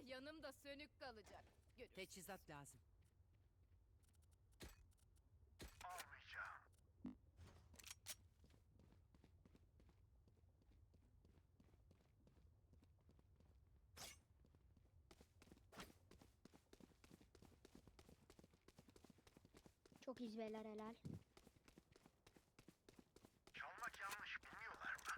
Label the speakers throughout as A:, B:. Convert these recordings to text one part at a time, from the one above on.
A: yanımda sönük kalacak. Görürsün.
B: Teçhizat lazım.
C: Almayacağım.
D: Çok izbeler helal.
C: Çalmak yanlış bilmiyorlar mı?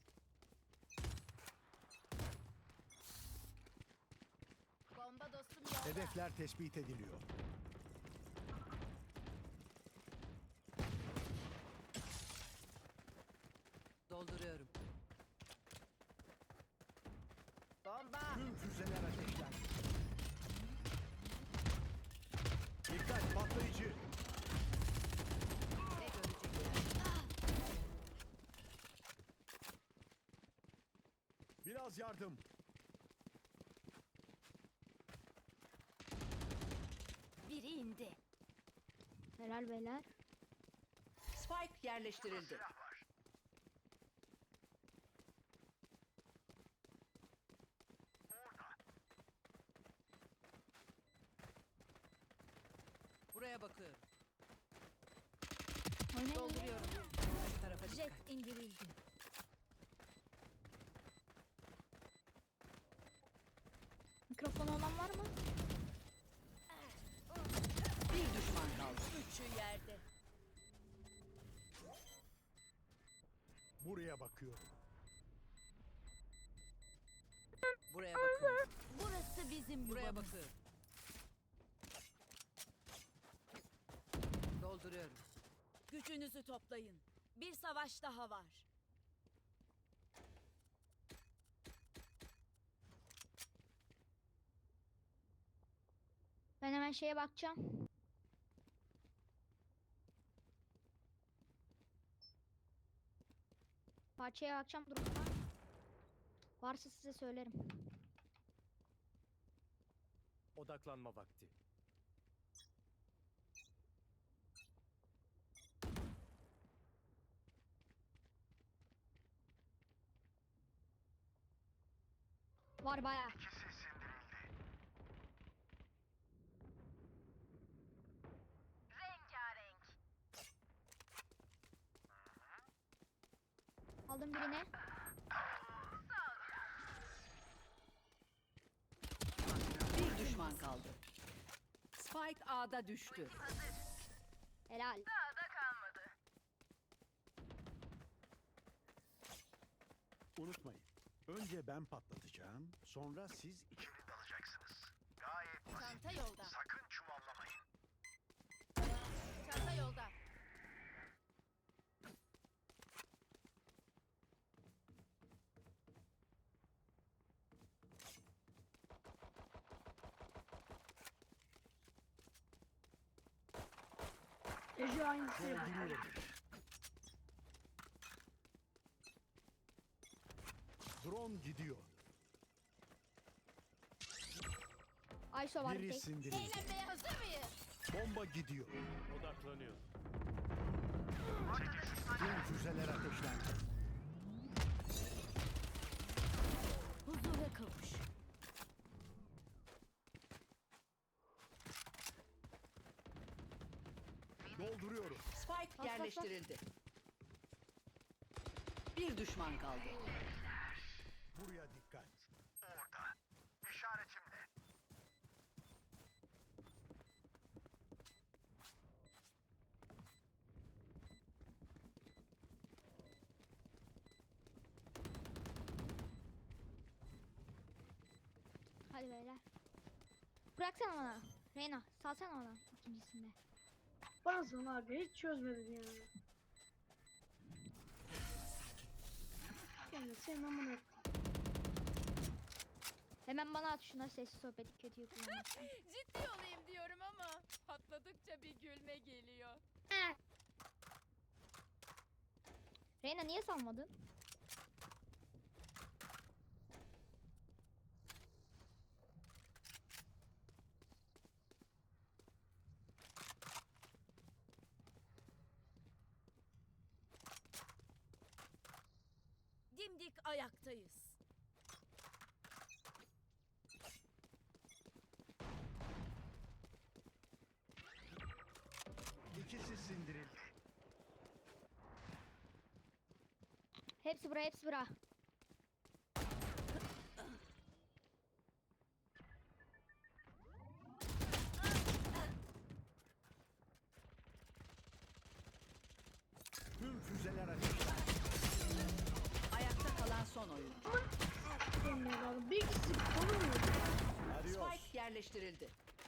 A: Bomba dostum yolda.
E: Hedefler tespit ediliyor.
B: Dolduruyorum.
A: Bomba.
E: Tüm füzeler ateşlendi. Dikkat patlayıcı.
B: Ne görecekler?
E: Biraz yardım.
A: Biri indi.
D: Helal beyler.
B: Spike yerleştirildi.
C: Silah var. Orada.
B: Buraya bakıyorum.
D: Oynayın.
A: Dolduruyorum.
B: Bu tarafa dikkat.
A: Jet indirildi.
D: Mikrofonu olan var mı?
B: Bir düşman kaldı.
A: Üçü yerde.
E: Buraya bakıyorum.
B: Buraya bakıyorum.
A: Burası bizim
B: Buraya
A: yuvamız.
B: bakıyorum. Dolduruyorum.
A: Gücünüzü toplayın. Bir savaş daha var.
D: Ben hemen şeye bakacağım. Parçaya bakacağım durumda. Varsa size söylerim.
F: Odaklanma vakti.
D: Var bayağı.
C: İkisi sindirildi. Rengarenk.
D: Aldım birini.
B: Bir düşman kaldı. Spike A'da düştü.
D: Helal.
C: Daha da kalmadı.
E: Unutmayın. Önce ben patlatacağım. Sonra siz
C: İçeri dalacaksınız. Gayet basit.
A: Çanta yolda.
C: Sakın çuvallamayın.
A: Çanta yolda.
E: dolduruyorum. Drone gidiyor.
D: Ayso var bir
E: Biri
D: tek.
E: sindirildi.
A: Eğlenmeye hazır mıyız?
E: Bomba gidiyor.
F: Odaklanıyor.
E: Tüm füzeler ateşlendi.
A: Huzura kavuş.
E: Dolduruyorum.
B: Spike yerleştirildi. Bir düşman kaldı.
E: Buraya dikkat.
C: Orada. İşaretimle.
D: Hadi beyler. Bıraksana bana. Reyna salsana bana ikincisinde.
G: Bazen abi hiç çözmedim yani. Yani senin amına
D: Hemen bana at şuna sessiz sohbeti kötüyü kullanmak.
A: Ciddi olayım diyorum ama patladıkça bir gülme geliyor.
D: Reyna niye salmadın?
A: Dimdik ayaktayız.
D: Hepsi bura, hepsi bura.
E: Tüm füzeler ateşlendi.
B: Ayakta kalan son oyun.
G: Benim evladım. Bir ikisi konumuyor.
E: Adios.
B: Spike yerleştirildi.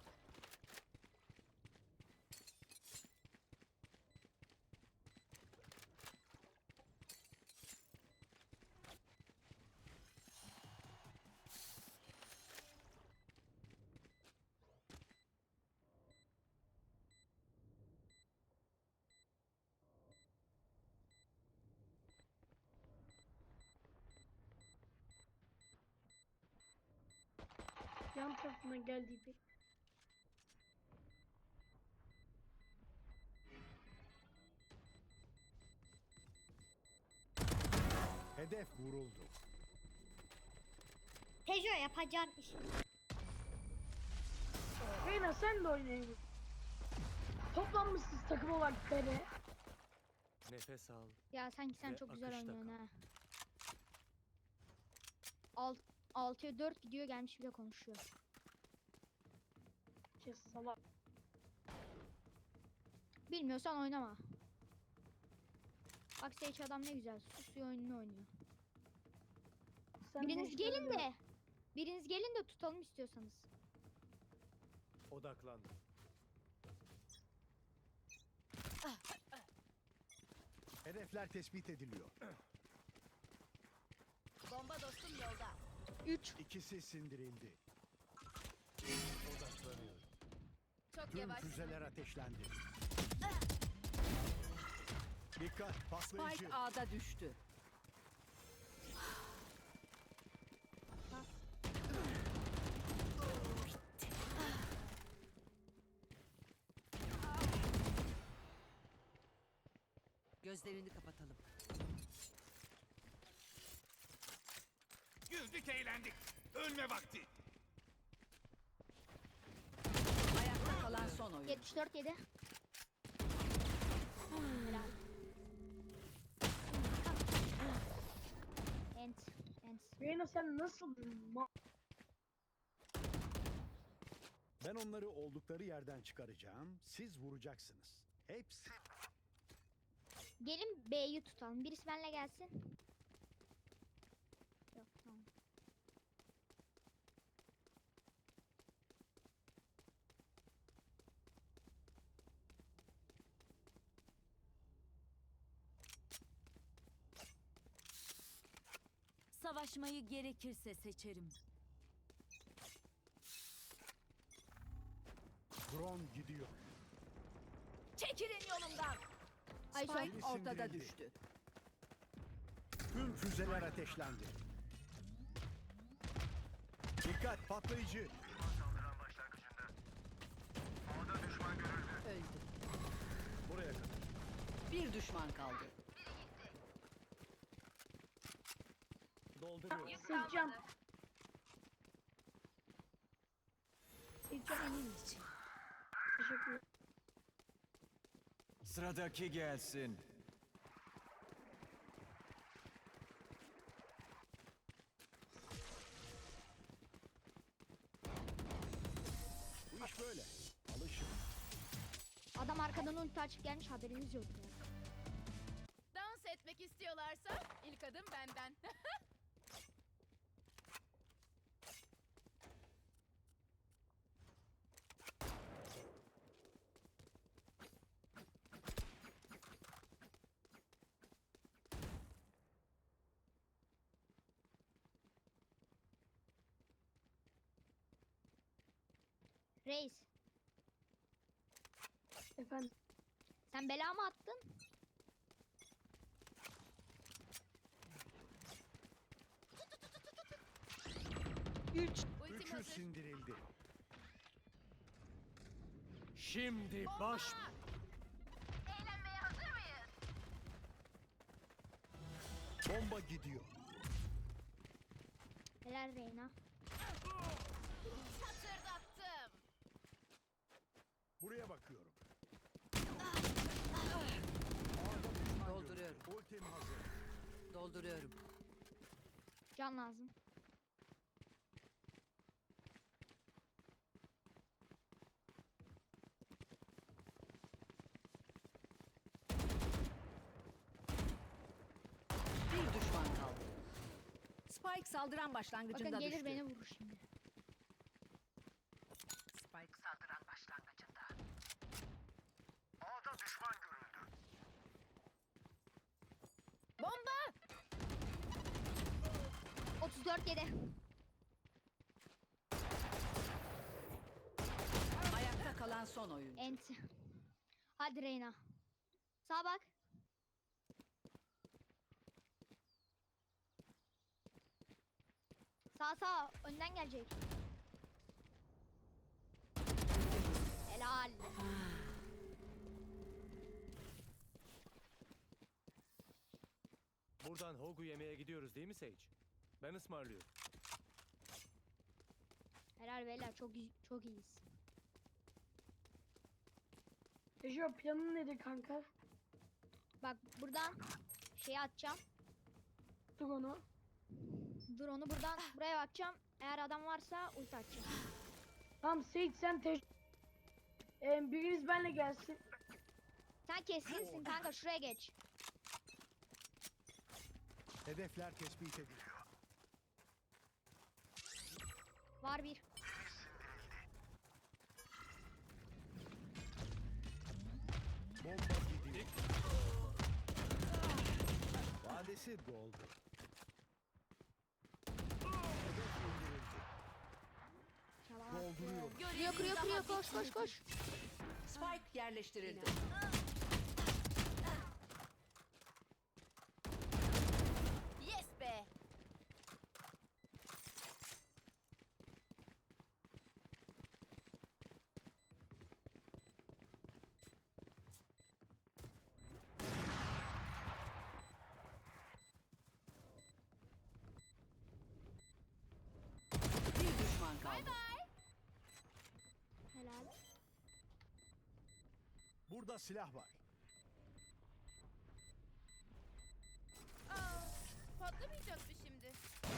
G: Yan tarafından geldiği bir.
E: Hedef vuruldu.
D: Tejo yapacağın iş.
G: Reyna sen de oynayın. Toplanmışsınız takım olarak bebe.
F: Nefes al.
D: Ya sanki sen
F: Ve
D: çok güzel
F: akışta
D: oynuyorsun
F: kal.
D: ha. 6'ya 4 gidiyor, gelmiş bile konuşuyor.
G: Kes salak.
D: Bilmiyorsan oynama. Bak Sage adam ne güzel susuyor, oyununu oynuyor.
G: Sen
D: Biriniz
G: de
D: gelin
G: işte
D: de. Biriniz gelin de tutalım istiyorsanız.
F: Odaklan.
E: Hedefler tespit ediliyor.
A: Bomba dostum yolda.
D: 3.
E: İkisi sindirildi.
F: Odaklanıyorum.
A: Çok
E: Tüm
A: yavaş.
E: füzeler ateşlendi. Dikkat patlayıcı.
B: Spike A'da düştü. Gözlerini kapatalım.
C: Güldük eğlendik. Ölme vakti.
B: Ayakta kalan son oyun.
D: 74 yedi. Helal. Ent. Ent.
G: Reyna sen nasıl
E: Ben onları oldukları yerden çıkaracağım. Siz vuracaksınız. Hepsi.
D: Gelin B'yi tutalım. Birisi benimle gelsin. Yok tamam.
H: Savaşmayı gerekirse seçerim.
E: Drone gidiyor.
H: Çekilin yolumdan.
D: Ay son.
B: Spike ortada
E: sindirildi.
B: düştü.
E: Tüm füzeler ateşlendi. Dikkat patlayıcı.
C: Saldıran başlangıcında. A'da düşman görüldü.
B: Öldü.
E: Buraya kadar.
B: Bir düşman kaldı.
F: Dolduruyorum.
G: Seçeceğim. Seçeceğim.
H: Senin için.
G: Teşekkür ederim.
I: Sıradaki gelsin.
E: Bu iş böyle. Alışın.
D: Adam arkadan ulti açıp gelmiş, haberiniz yok ya.
A: Dans etmek istiyorlarsa ilk adım benden.
D: Reis,
G: Efendim.
D: sen bela mı attın?
A: Ultim
E: Üçü
A: hazır.
E: sindirildi.
F: Şimdi baş...
C: Eğlenmeye hazır mıyız?
E: Bomba gidiyor.
D: Helal Reyna.
A: Hatırdattım.
E: Buraya bakıyorum.
B: Dolduruyorum.
E: Ultim hazır.
B: Dolduruyorum.
D: Can lazım.
B: Bir düşman kaldı. Spike saldıran başlangıcında
D: Bakın gelir
B: düştü.
D: beni vurur şimdi.
B: Spike
C: Saldıran başlangıcında. A'da düşman görüldü.
D: 34 yedi.
B: ayakta kalan son oyuncu.
D: Enti. Hadi Reyna. Sağa bak. Sağ önden gelecek. Helal.
F: Buradan Hogu yemeye gidiyoruz değil mi Sage? Ben ısmarlıyorum.
D: Helal beyler çok iyiyiz.
G: Tejo planın nedir kanka?
D: Bak buradan şeyi atacağım.
G: Dur onu.
D: Drone'u buradan buraya bakacağım. Eğer adam varsa ulti atacağım.
G: Tamam Seyit sen biriniz benle gelsin.
D: Sen kesinsin kanka, şuraya geç.
E: Hedefler tespit ediliyor.
D: Var bir.
E: Bomba gidiyor. Vadesi doldu. Hedef indirildi.
D: Çalamaz.
E: Dolduruyor.
D: Kırıyor koş.
B: Spike yerleştirildi.
H: Yes be.
B: Bir düşman kaldı.
D: Helal.
E: Burada silah var.
A: Aa, patlamayacak mı şimdi?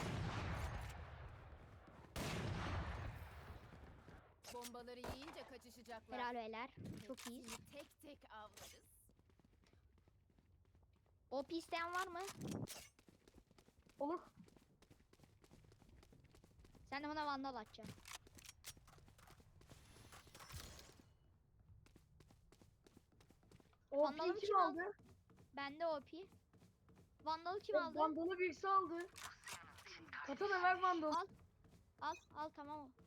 A: Bombaları yiyince kaçışacaklar.
D: Helal beyler. Çok iyiyiz.
A: Hepsini tek tek avlarız.
D: OP isteyen var mı?
G: Olur.
D: Sen de bana vandal atacaksın.
G: O
D: Vandal'ı
G: kim
D: kim
G: aldı?
D: Bende OP. Vandal'ı kim
G: O
D: aldı?
G: Vandalı birisi aldı. Katana ver Vandal.
D: Al tamam o.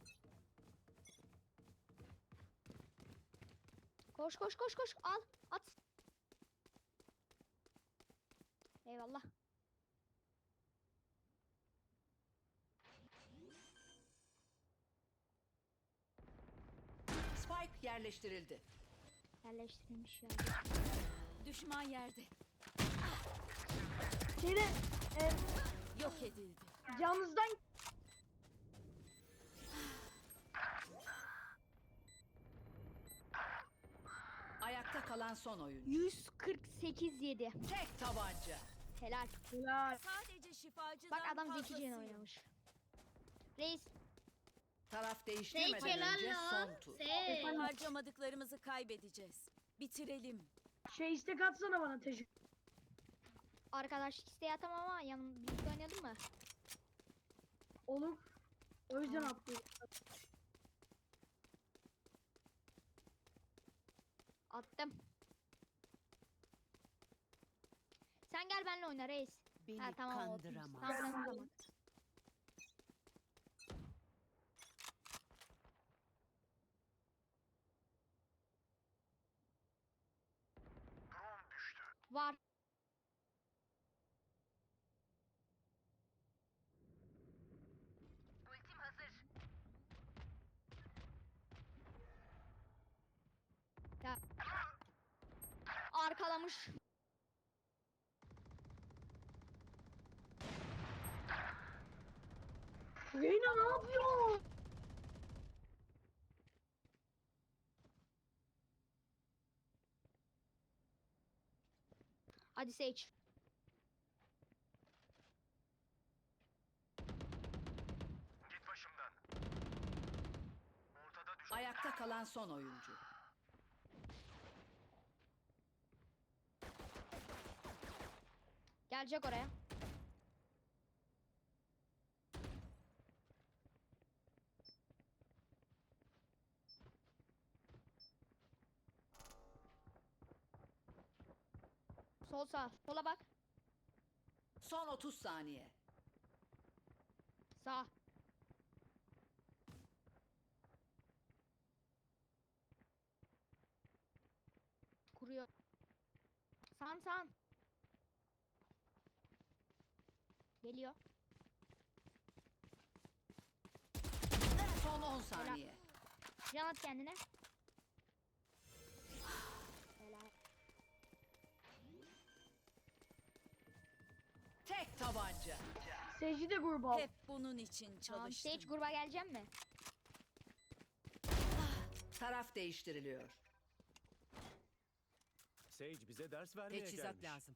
D: Koş al at. Eyvallah.
B: Spike yerleştirildi.
D: Yerleştirilmiş ya.
H: Düşman yerde.
G: Şeyde
H: Yok edildi.
G: canınızdan
B: Ayakta kalan son oyuncu.
D: 148 yedi.
B: Tek tabanca.
D: Helal.
G: helal.
H: Sadece şifacıdan
D: Bak adam zekice
H: fazlasıyım.
D: oynamış. Reis.
B: Taraf değiştirmeden
D: helal
B: önce
D: lan.
B: son tur.
H: Harcamadıklarımızı kaybedeceğiz. Bitirelim.
G: İstek atsana bana Tejo.
D: Arkadaşlık isteği atamam ama birlikte oynayalım mı?
G: Olur. O yüzden
D: Tamam.
G: atlıyorum.
D: Attım. Sen gel benimle oyna reis.
B: Beni
D: Ha tamam o.
B: kandıramaz.
D: Tamam o zaman.
C: Drone düştü.
D: Var.
C: Ultim hazır.
D: Arkalamış.
G: Reyna ne yapıyor?
D: Hadi Sage.
B: Ayakta kalan son oyuncu.
D: Gelecek oraya. Sol sağ. Sola bak.
B: Son 30 saniye.
D: Sağ. Kuruyor. Sağım sağım. Geliyor.
B: Son 10 saniye.
D: Can at kendine. Helal.
B: Tek tabanca.
G: Seyirci de grubu al.
H: Hep bunun için
D: Tamam.
H: çalıştım.
D: Sage gruba geleceğim mi?
B: Taraf değiştiriliyor.
F: Sage bize ders vermeye
B: Teçhizat
F: gelmiş.
B: lazım.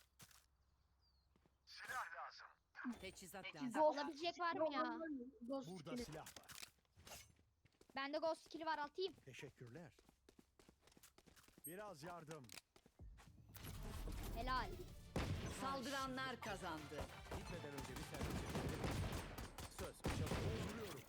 C: Silah lazım.
B: Teçhizat lazım.
G: Ghost-
D: Olabilecek var mı ya?
G: Ghost
E: Burada
G: skill'i.
E: silah var.
D: Bende ghost skill'i var, atayım.
E: Teşekkürler. Biraz yardım.
D: Helal.
B: Saldıranlar kazandı.
F: Gitmeden önce bir servis çekelim. Söz. Çabuk.
E: Dolduruyorum.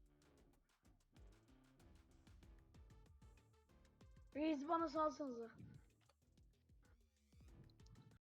G: Reis bana salsanıza.